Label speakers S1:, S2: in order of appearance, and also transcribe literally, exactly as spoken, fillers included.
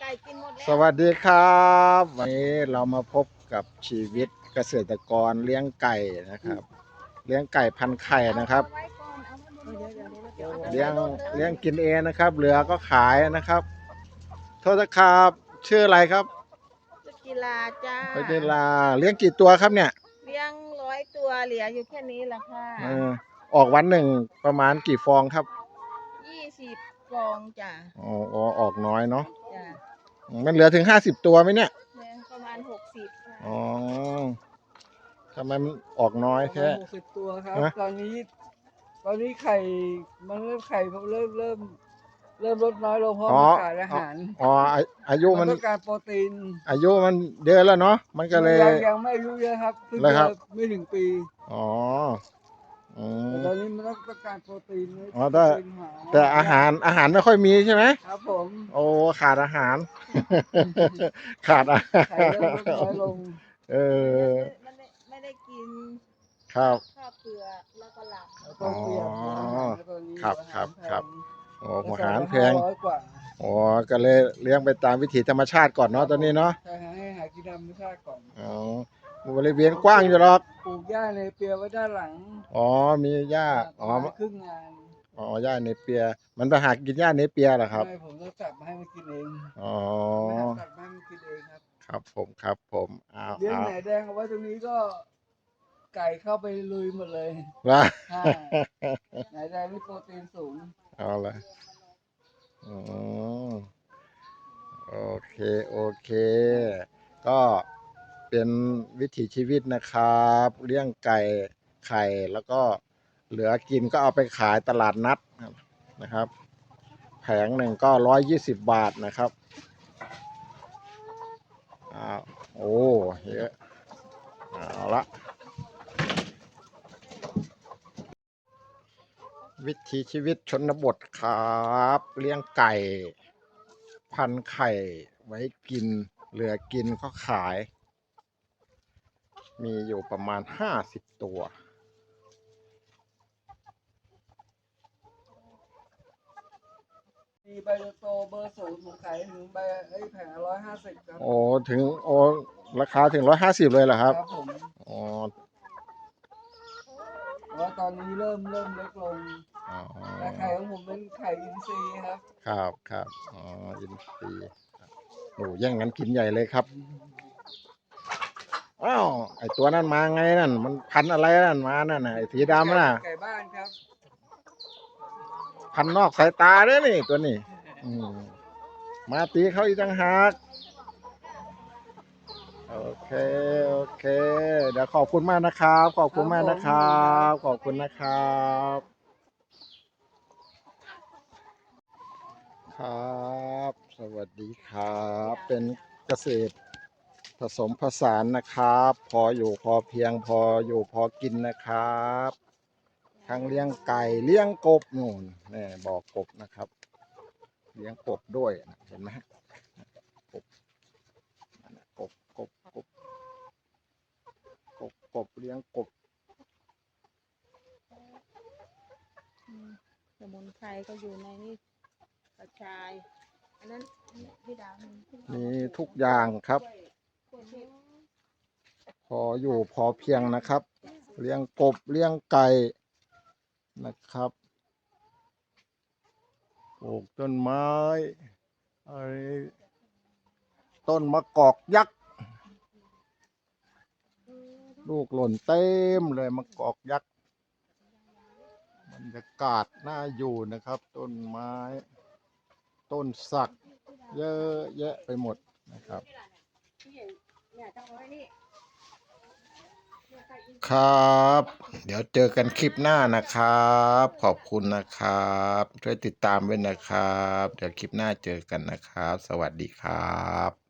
S1: ก่กินหมดแล้
S2: สวัสดีครับวันนี้เรามาพบกับชีวิตเกษตรกรเลี้ยงไก่นะครับเลี้ยงไก่พันไข่นะครับ
S1: เอาไว้ก่อนเอาไว้บนรถเดี๋ยว
S2: เลี้ยง
S1: อาไปใส่รถล
S2: เลี้ยงกินเองนะครับเหลือก็ขายนะครับโทษนะครับชื่ออะไรครับ
S1: ชุดกีฬาจ้า
S2: เวลาเลี้ยงกี่ตัวครับเนี่ย
S1: เลี้ยงร้อยตัวเหลืออยู่แค่นี้แหละค่ะ
S2: เออออกวันหนึ่งประมาณกี่ฟองครับ
S1: ยี่สิบฟองจ้ะ
S2: อ๋ออ๋อออกน้อยเนาะ
S1: จ้ะ
S2: มันเหลือถึงห้าสิบตัวไหมเนี่ย
S1: เนี่ยประมาณหกสิบค่ะ
S2: อ๋อทำไมมันออกน้อย
S3: ประ
S2: แค่
S3: มาณหกสิบตัวครับ
S2: ฮะ
S3: ตอนนี้ ตอนนี้ไข่มันเริ่มไข่เริ่มเริ่มเริ่มลดน้อยลงเพราะ
S2: อ๋อ
S3: มันขาดอาหาร
S2: อ๋ออาอายุ
S3: มั
S2: มัน น
S3: ต้องการโปรตีน
S2: อายุมันเยอะแล้วเนาะมันก็เลย
S3: ยังยังไม่อายุเยอะครับเพิ่ง
S2: เลยครับ
S3: จะไม่ถึงปี
S2: อ๋ออื
S3: แต่
S2: ม
S3: ตอนนี้มันต้องต้องการโปรตีน
S2: อ๋อแต่
S3: โปรตีนหา
S2: แต่อาหารอาหารไม่ค่อยมีใช่ไหม
S3: ครับผม
S2: โอ้ขาดอาหาร ขาดอาหาร
S3: ไข่เริ่มลดน้อยลง
S2: เออ
S1: ไม่ได้ไม่ได้กิน
S2: ครับ
S1: ข้าวเปลือกแล้วก็หลับ
S3: แล้วต้องเปลี่ยนหัวอาหารแล้วตอนนี้
S2: ครับ
S3: หัวอา
S2: ครั
S3: หา
S2: บ
S3: แพง
S2: ครับ โอ้
S3: ก
S2: หัว
S3: ระ
S2: อา
S3: สอบ
S2: หาร
S3: ละ
S2: แพ
S3: ห้าง ร้อยกว่า
S2: อ๋อก็เลยเลี้ยงไปตามวิถีธรรมชาติก่อนเนาะตอนนี้เนาะ
S3: ใช่ฮะให้หากินธรรมชาติก่อน
S2: อ๋อบริเวณกว้างอยู่หรอก
S3: ปลูกหญ้าในเปียไว้ด้านหลัง
S2: อ๋อมีหญ้าอ๋อ
S3: ประมาณครึ่งงาน
S2: อ๋อหญ้าเนเปีย มันไปหากินหญ้าเนเปียเหรอครับ
S3: ไม่ผมต้องจับมาให้มันกินเอง
S2: อ๋อ
S3: ไม่หาตัดมาให้มันกินเองครับ
S2: ครับผมครับผมเอา
S3: เลี้ยง
S2: เอา
S3: ไหนแดงเอาไว้ตรงนี้ก็ไก่เข้าไปลุยหมดเลย
S2: ว่า
S3: อ่า ไหนแดงนี่โปรตีนสูง
S2: เอาละอ๋อโอเค โอเค ก็เป็นวิถีชีวิตนะครับ เลี้ยงไก่ไข่แล้วก็เหลือกินก็เอาไปขายตลาดนัดนะครับ แผงหนึ่งก็ร้อยยี่สิบบาทนะครับอ้าวโอ้เยอะเอาละวิถีชีวิตชนบทครับเลี้ยงไก่พันไข่ไว้กินเหลือกินก็ขาย มีอยู่ประมาณห้าสิบตัว
S3: มีใบโตเบอร์ศูนย์ผมขายถึงใบไอ้แผงร้อยห้าสิบครับ
S2: โอ้ถึงโอ้ราคาถึงร้อยห้าสิบเลยเหรอครับ
S3: ครับผม
S2: อ๋อ
S3: แต่ว่าตอนนี้เริ่มเริ่มเล็กลง
S2: อ๋อ
S3: แต่ไข่ของผมเป็นไข่อินทรีย์ครับ
S2: ครับครับอ๋ออินทรีย์โอ้แย่งกันกินใหญ่เลยครับอ้าวไอตัวนั้นมาไงนั่นมันพันธุ์อะไรนั่นมานั่นน่ะไอสีดำน่ะ
S3: ไก่บ้านครับ
S2: พันธุ์นอกสายตาเด้อนี่ตัวนี้อืมมาตีเขาอีกต่างหากโอเคโอเค เดี๋ยวขอบคุณมากนะครับ ขอบคุณมากนะครับ ขอบคุณนะครับ ครับ สวัสดีครับ เป็นเกษตรผสมผสานนะครับ พออยู่พอเพียงพออยู่พอกินนะครับ ทั้งเลี้ยงไก่เลี้ยงกบนู่นนี่บอกกบนะครับ เลี้ยงกบด้วยนะเห็นไหมฮะกบนั่นน่ะกบกบกบกบกบเลี้ยงกบ
S1: อืมสมุนไพรก็อยู่ในนี่กระชาย อันนั้นพี่ดาวมี
S2: มีทุกอย่างครับ
S1: กล้วยเทศ
S2: พออยู่พอเพียงนะครับ เลี้ยงกบเลี้ยงไก่นะครับปลูกต้นไม้ไอ้ต้นมะกอกยักษ์ลูกหล่นเต็มเลยมะกอกยักษ์บรรยากาศน่าอยู่นะครับ ต้นไม้ ต้นสักเยอะแยะไปหมดนะครับ ครับ เดี๋ยวเจอกันคลิปหน้านะครับ ขอบคุณนะครับ ช่วยติดตามไว้นะครับ เดี๋ยวคลิปหน้าเจอกันนะครับ สวัสดีครับ